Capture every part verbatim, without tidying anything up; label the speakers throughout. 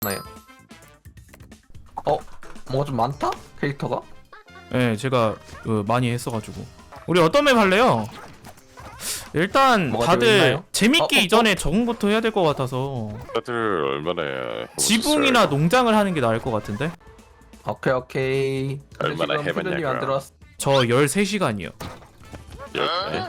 Speaker 1: 나요. 어? 뭐가 좀 많다? 캐릭터가?
Speaker 2: 네, 제가 그, 많이 했어가지고. 우리 어떤 맵 할래요? 일단
Speaker 1: 뭐가
Speaker 2: 다들
Speaker 1: 들어있나요?
Speaker 2: 재밌게
Speaker 1: 어, 어,
Speaker 2: 이전에 적응 부터 해야 될 것 같아서
Speaker 3: 다들 얼마나 해보셨어요?
Speaker 2: 지붕이나 농장을 하는 게 나을 것 같은데?
Speaker 1: 오케이 오케이. 근데
Speaker 3: 얼마나
Speaker 1: 지금
Speaker 3: 해봤냐고요?
Speaker 1: 푸들님 안 들어왔어.
Speaker 2: 저 열세 시간이요.
Speaker 3: 열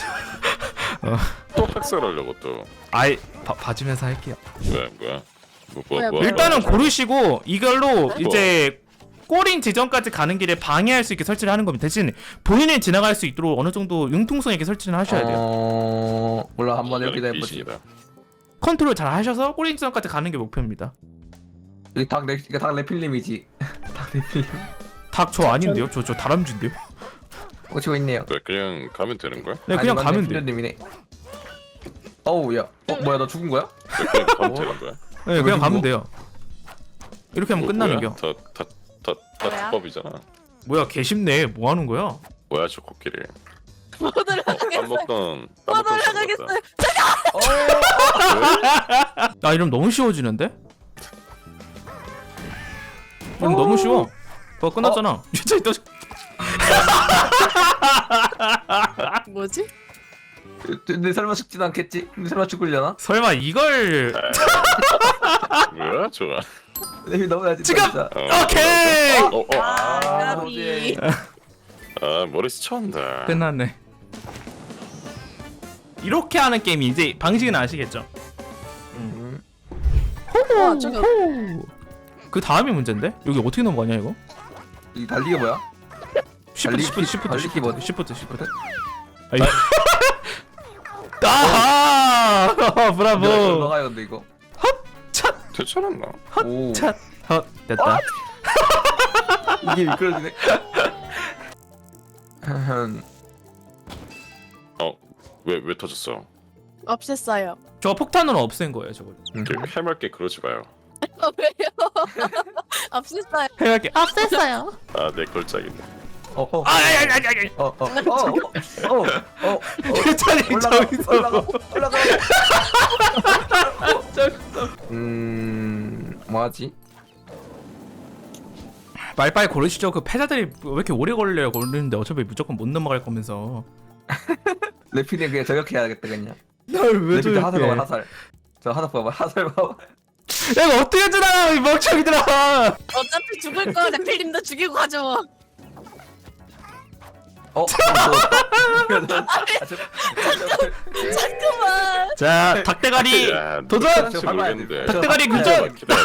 Speaker 3: 또 학살하려고 또
Speaker 2: 아이, 봐, 봐주면서 할게요.
Speaker 3: 뭐야 뭐야 뭐, 뭐,
Speaker 4: 뭐야,
Speaker 3: 뭐
Speaker 2: 일단은
Speaker 3: 하는 거야?
Speaker 2: 고르시고 이걸로 이제 꼬린 지점까지 가는 길에 방해할 수 있게 설치를 하는 겁니다. 대신 본인이 지나갈 수 있도록 어느 정도 융통성 있게 설치를 하셔야 돼요.
Speaker 1: 어... 몰라 한번
Speaker 3: 이거는
Speaker 1: 이렇게 해보지.
Speaker 3: 귀신이다.
Speaker 2: 컨트롤 잘 하셔서 꼬린 지점까지 가는 게 목표입니다.
Speaker 1: 이게 닭 레, 이게 닭 레필님이지. 닭 레필님.
Speaker 2: 닭 저 아닌데요? 저 저 다람쥐인데요?
Speaker 1: 오치고 있네요.
Speaker 3: 왜 그냥 가면 되는 거야?
Speaker 2: 네, 그냥
Speaker 1: 아니,
Speaker 2: 가면
Speaker 1: 맞네,
Speaker 2: 돼.
Speaker 1: 필요님이네. 어우 야. 어 뭐야 너 죽은 거야?
Speaker 3: 왜 그냥 가면 되는 거야?
Speaker 2: 네, 그냥 가면
Speaker 1: 뭐?
Speaker 2: 돼요. 이렇게 하면 끝나는 겨.
Speaker 3: 다다다다
Speaker 4: 뭐야?
Speaker 3: 불법이잖아.
Speaker 2: 뭐야, 개쉽네. 뭐 하는 거야?
Speaker 3: 뭐야 저 코끼리?
Speaker 4: 못
Speaker 3: 어, 밥
Speaker 4: 올라가겠어요.
Speaker 3: 먹던 밥
Speaker 4: 못
Speaker 3: 먹던
Speaker 4: 올라가겠어요.
Speaker 2: 아, 이러면 너무 쉬워지는데? 이러면 너무 쉬워. 어, 끝났잖아. 진짜 또
Speaker 4: 뭐지?
Speaker 1: 근데 설마 죽진 않겠지? 근데 설마 죽으려나?
Speaker 2: 설마 이걸
Speaker 3: 뭐야 저거?
Speaker 1: 레필 넘어야지.
Speaker 2: 지금!
Speaker 1: 진짜.
Speaker 3: 어,
Speaker 2: 오케이!
Speaker 3: 어, 어, 어.
Speaker 4: 아,
Speaker 1: 아,
Speaker 4: 까비.
Speaker 3: 아 머리 스쳤다.
Speaker 2: 끝났네. 이렇게 하는 게임이 이제 방식은 아시겠죠?
Speaker 1: 음.
Speaker 4: 와, 저기
Speaker 2: 그 다음이 문제인데? 여기 어떻게 넘어가냐 이거?
Speaker 1: 이 달리기 뭐야?
Speaker 2: 시프트
Speaker 1: 달리기
Speaker 2: 시프트
Speaker 1: 키-
Speaker 2: 시프트
Speaker 1: 달리기
Speaker 2: 시프트
Speaker 1: 뭐지?
Speaker 2: 시프트 시프트 아이. 아하! 브라보!
Speaker 1: 넘어가요 근데 이거.
Speaker 3: 괜찮았나?
Speaker 1: 오.
Speaker 2: 찻! 헛! 됐다.
Speaker 1: 이게 미끄러지네.
Speaker 3: 어왜 왜 터졌어?
Speaker 4: 없앴어요.
Speaker 2: 저 폭탄으로 없앤 거예요 저걸.
Speaker 3: 그 해맑게 그러지 마요.
Speaker 4: 어, 왜요? 없앴어요.
Speaker 2: 해갈게. 아,
Speaker 4: 없앴어요.
Speaker 3: 아내 걸작이네.
Speaker 1: 어, 어,
Speaker 2: 아, 아, 아, 아, 아,
Speaker 1: 어, 어, 어, 어, 어, 어,
Speaker 2: 괜찮이
Speaker 1: 올라가,
Speaker 2: 저기서.
Speaker 1: 올라가, 올라가.
Speaker 2: 저기서.
Speaker 1: 음, 뭐하지?
Speaker 2: 빨리빨리 고르시죠. 그 패자들이 왜 이렇게 오래 걸려요? 고르는데 어차피 무조건 못 넘어갈 거면서.
Speaker 1: 레피님 그냥 저격해야겠다 그냥.
Speaker 2: 널왜
Speaker 1: 레피 하살 봐봐 하살. 저 하살 봐봐 하살 봐봐.
Speaker 2: 내가 어떻게 지나가 이 멍청이들아.
Speaker 4: 어차피 죽을 거 레필님도 죽이고 가죠.
Speaker 1: 어,
Speaker 4: 잠깐만.
Speaker 2: 자, 닭대가리
Speaker 3: 야,
Speaker 2: 도전!
Speaker 3: 누군지
Speaker 1: 저 밟아야
Speaker 3: 모르겠는데.
Speaker 1: 돼.
Speaker 2: 닭대가리
Speaker 1: 저
Speaker 2: 교전!
Speaker 3: 기다려.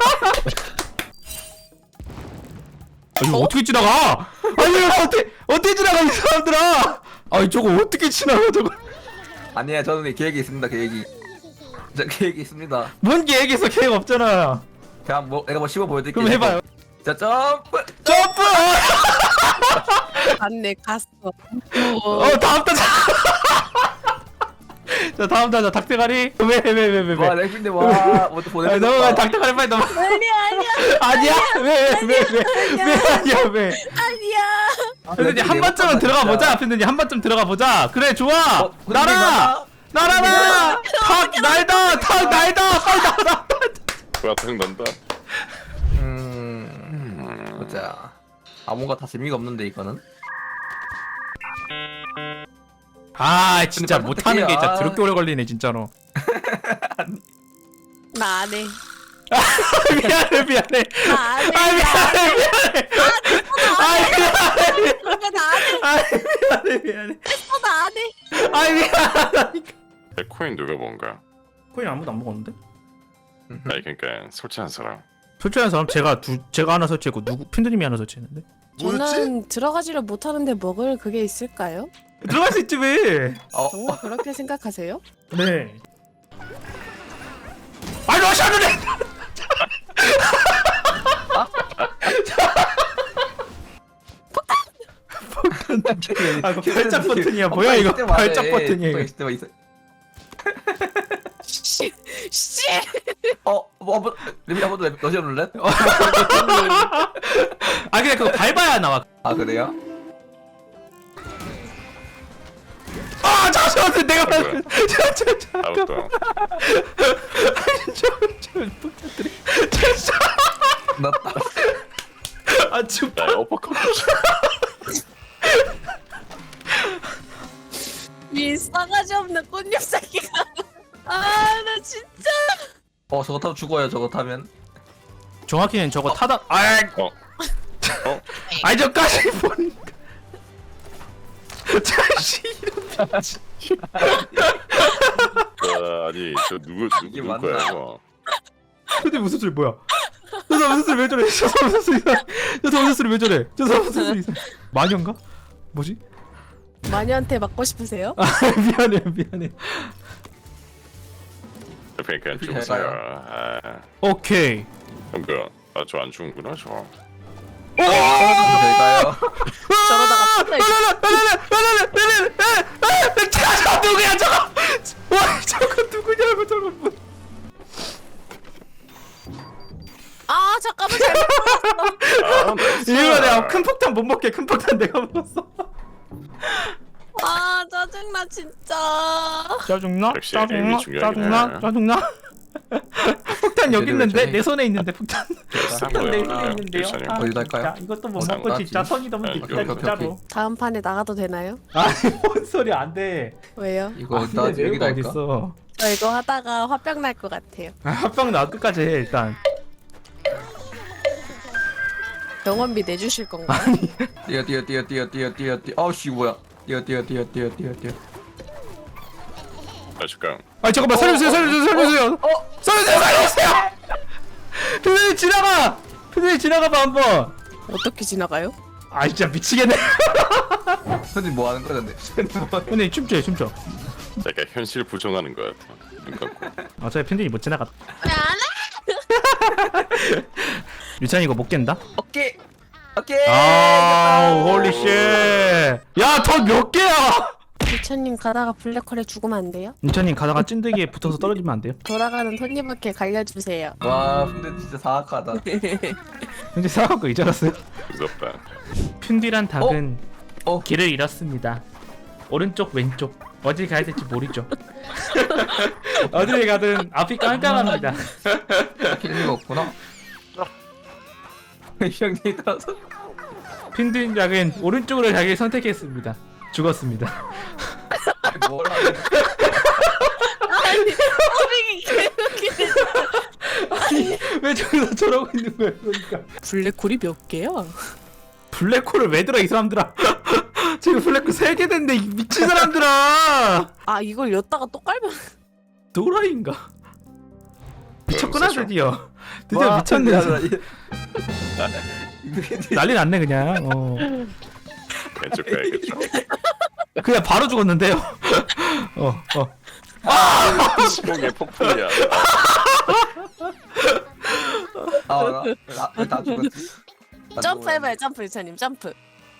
Speaker 2: 아, 이거 어떻게 지나가? 아니 이거 어떻게 어떻게 지나가 이 사람들아? 아니 저거 어떻게 지나가 저거?
Speaker 1: 아니야 저는 계획이 있습니다 계획이. 저 계획이 있습니다.
Speaker 2: 뭔 계획에서 계획 없잖아.
Speaker 1: 그냥 뭐 내가 뭐 씹어 보여드릴게요.
Speaker 2: 그럼 해봐요.
Speaker 1: 자 점프.
Speaker 2: 점프!
Speaker 4: 갔네, 갔어.
Speaker 2: 어 다음 타자. 자 다음 타자 닭대가리. 왜 왜 왜 왜 왜?
Speaker 1: 와 레피님 와 뭐또 보내.
Speaker 2: 아니 넘어가 닭대가리 빨리 넘어.
Speaker 4: 아니야, 아니야,
Speaker 2: 아니야? 왜 왜 왜 왜 왜 아니야 왜?
Speaker 4: 아니야.
Speaker 2: 근데 한 번쯤은 들어가 보자. 근데 한 번쯤 들어가 보자. 그래 좋아.
Speaker 1: 어, 근데
Speaker 2: 날아 날아라. 닭 날다 닭 날다 빨리 날아.
Speaker 3: 와탕 난다.
Speaker 1: 음, 보자. 아 뭔가 다 재미가 없는데 이거는.
Speaker 2: 아 진짜
Speaker 1: 근데
Speaker 2: 못하는 게 진짜
Speaker 1: 아.
Speaker 2: 더럽게 오래 걸리네 진짜로.
Speaker 4: 나 안 해.
Speaker 2: 미안해 미안해.
Speaker 4: 나 안 해.
Speaker 2: 아 미안해 미안해. 아 미안해.
Speaker 4: 그러니까 나 안 해.
Speaker 2: 아 미안해 미안해.
Speaker 4: 어, 나 안 해.
Speaker 2: 아 미안하다니까.
Speaker 3: 야, 코인 누가 뭔가?
Speaker 2: 코인 아무도 안 먹었는데?
Speaker 3: 아니 그러니까 설치한 사람.
Speaker 2: 설치한 사람 제가 두 제가 하나 설치했고 누구 핀드님이 하나 설치했는데.
Speaker 4: 저는 들어가지를 못하는데 먹을 그게 있을까요?
Speaker 2: 들어갈 수 있지 왜?
Speaker 1: 어,
Speaker 4: 정말 그렇게 생각하세요?
Speaker 2: 네. 아니 러시아는데. 아, 이거 발작 버튼이야. 뭐야, 이거? 발작 버튼이야, 이거.
Speaker 1: 이거. 있어.
Speaker 4: 씨, 씨.
Speaker 1: 어, 뭐 한번 레피 한번 러시아 룰렛?
Speaker 2: 아 근데 그거 밟아야 나와.
Speaker 1: 아 그래요?
Speaker 2: 아 잠시. 저한테 내가
Speaker 3: 뭐야?
Speaker 2: 저저 저.
Speaker 3: 아웃도.
Speaker 2: 저저 폭탄들이. 저
Speaker 1: 났다.
Speaker 2: 아 좀.
Speaker 3: 야 어퍼컷.
Speaker 4: 이 싸가지 없는 꽃잎 새끼가. 아 나 진짜.
Speaker 1: 어 저거 타면 죽어요. 저거 타면.
Speaker 2: 정확히는 저거 타다. 아.
Speaker 3: 어. 어?
Speaker 2: 아니 저까지 보니까. 자식 이런 미친.
Speaker 3: 아, 아니 저 누구
Speaker 1: 이게
Speaker 3: 누구 누구 거야
Speaker 1: 맞나?
Speaker 3: 이거?
Speaker 2: 근데 무슨 소리 뭐야? 저 사람 무슨 소리 왜 저래? 저 사람 무슨 소리? 저 사람 무슨 소리 왜 저래? 저 사람 무슨 소리? 마녀인가? 뭐지?
Speaker 4: 마녀한테 맞고 싶으세요?
Speaker 2: 아 미안해 미안해.
Speaker 3: 그러니까
Speaker 1: 잘
Speaker 3: 죽었어요.
Speaker 1: 가요.
Speaker 3: 아,
Speaker 2: 오케이.
Speaker 3: 그럼 그, 아, 저 안 죽은구나 저.
Speaker 1: 저가요.
Speaker 4: 저러다가 또
Speaker 2: 저거 누구야 저거? 와 저거 누구냐고 저거. 뭐.
Speaker 4: 아 잠깐만 잘못
Speaker 3: 아, 나이스.
Speaker 2: 이거 내가 큰 폭탄 못 먹게 큰 폭탄 내가 먹었어.
Speaker 4: 아 짜증나 진짜.
Speaker 2: 짜증나?
Speaker 3: 역시
Speaker 2: 짜증나?
Speaker 3: 에임이 중요하긴
Speaker 2: 짜증나?
Speaker 3: 해.
Speaker 2: 짜증나? 폭탄 여기 있는데
Speaker 1: 저기-
Speaker 2: 내 손에 있는데 폭탄.
Speaker 3: 싼
Speaker 2: 폭탄 내
Speaker 3: 거야.
Speaker 2: 손에 있는데요.
Speaker 3: 일선이요.
Speaker 2: 아,
Speaker 1: 어디다 할까요?
Speaker 2: 진짜 이것도 못
Speaker 1: 어,
Speaker 2: 먹고
Speaker 1: 나가지.
Speaker 2: 진짜 성이 너무
Speaker 3: 아,
Speaker 2: 깊다
Speaker 3: 오케이, 오케이,
Speaker 2: 진짜로.
Speaker 1: 오케이.
Speaker 4: 다음 판에 나가도 되나요?
Speaker 2: 아니 뭔 소리 안 돼.
Speaker 4: 왜요?
Speaker 1: 이거
Speaker 2: 아,
Speaker 1: 일단
Speaker 2: 근데
Speaker 1: 여기다
Speaker 2: 여기가
Speaker 1: 할까?
Speaker 2: 어딨어?
Speaker 4: 저 이거 하다가 화병 날 것 같아요.
Speaker 2: 아, 합방 나 끝까지 해 일단.
Speaker 4: 병원비 내주실 건가요?
Speaker 1: 뛰어 뛰어 뛰어 뛰어 뛰어 뛰어 뛰어. 아우씨 뭐야? 뛰어 뛰어 뛰어 뛰어 뛰어 뛰어.
Speaker 3: 아 잠깐.
Speaker 2: 아 잠깐만 살려주세요 살려주세요 살려주세요. 살려주세요 살려주세요. 편집이 지나가. 편집이 지나가봐 한번.
Speaker 4: 어떻게 지나가요?
Speaker 2: 아 진짜 미치겠네.
Speaker 1: 선생님 뭐 하는 거야 근데? 선생님 뭐?
Speaker 2: 편집이 춤춰 춤춰.
Speaker 3: 약간 현실 부정하는 것 같아. 눈 감고.
Speaker 2: 어차피 편집이 못 지나갔다.
Speaker 4: 안
Speaker 2: 유찬이 이거 못 깬다?
Speaker 1: 오케이 오케이.
Speaker 2: 아 홀리 쉣. 야더 몇 개야?
Speaker 4: 부처님 가다가 블랙홀에 죽으면 안 돼요?
Speaker 2: 유찬님 가다가 찐득이에 붙어서 떨어지면 안 돼요?
Speaker 4: 돌아가는 톱니바퀴 갈려주세요.
Speaker 1: 와 근데 진짜 사악하다.
Speaker 2: 근데 싸갖고 이제 알았어요.
Speaker 3: 무섭다.
Speaker 2: 핀디란 닭은
Speaker 1: 어?
Speaker 2: 길을 잃었습니다. 오른쪽 왼쪽 어디 가야 될지 모르죠. 어디를 가든 앞이 깜깜합니다.
Speaker 1: 킬리가 없구나. 형님 따라서.
Speaker 2: 핀디 닭은 오른쪽으로 가길 선택했습니다. 죽었습니다.
Speaker 1: 뭘 하는?
Speaker 4: 아니 어빙이 개웃기네.
Speaker 2: 왜 저기서 저러고 있는 거야 그러니까.
Speaker 4: 블랙홀이 몇 개야?
Speaker 2: 블랙홀을 왜 들어 이 사람들아. 지금 블랙홀 세 개 됐는데 이 미친 사람들아.
Speaker 4: 아 이걸 였다가 또 깔면
Speaker 2: 도라이인가? 미쳤구나
Speaker 3: 무서워.
Speaker 2: 드디어. 드디어
Speaker 1: 와,
Speaker 2: 미쳤네.
Speaker 1: 이거
Speaker 2: 난리 났네 그냥. 어.
Speaker 3: 왼쪽 가야겠죠.
Speaker 2: 그냥 바로 죽었는데요. 어 어.
Speaker 3: 시공의 폭풍이야.
Speaker 1: 아나다 죽었지. 나
Speaker 4: 점프해봐요 점프 유찬님 점프.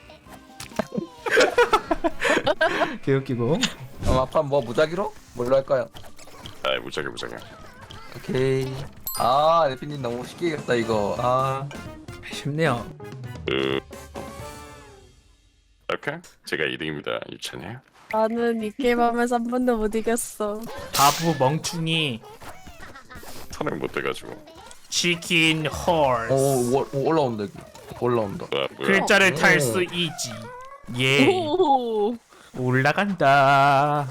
Speaker 2: 개웃기고.
Speaker 1: 어, 아빠 뭐 무작위로? 뭘로 할까요?
Speaker 3: 아 무작위 무작위.
Speaker 1: 오케이. 아 레피님 너무 쉽게 이겼다 이거. 아
Speaker 2: 쉽네요.
Speaker 3: 그. 오케이. 제가 이 등입니다. 유찬이.
Speaker 4: 나는 이 게임 하면서 한 번도 못 이겼어.
Speaker 2: 바보 멍충이.
Speaker 3: 선행 못 돼가지고.
Speaker 2: 치킨 홀.
Speaker 1: 오, 오, 오 올라온다 여기. 올라온다.
Speaker 3: 아 뭐야?
Speaker 2: 글자를 탈
Speaker 1: 오.
Speaker 2: 수 있지. 예.
Speaker 4: 오.
Speaker 2: 올라간다.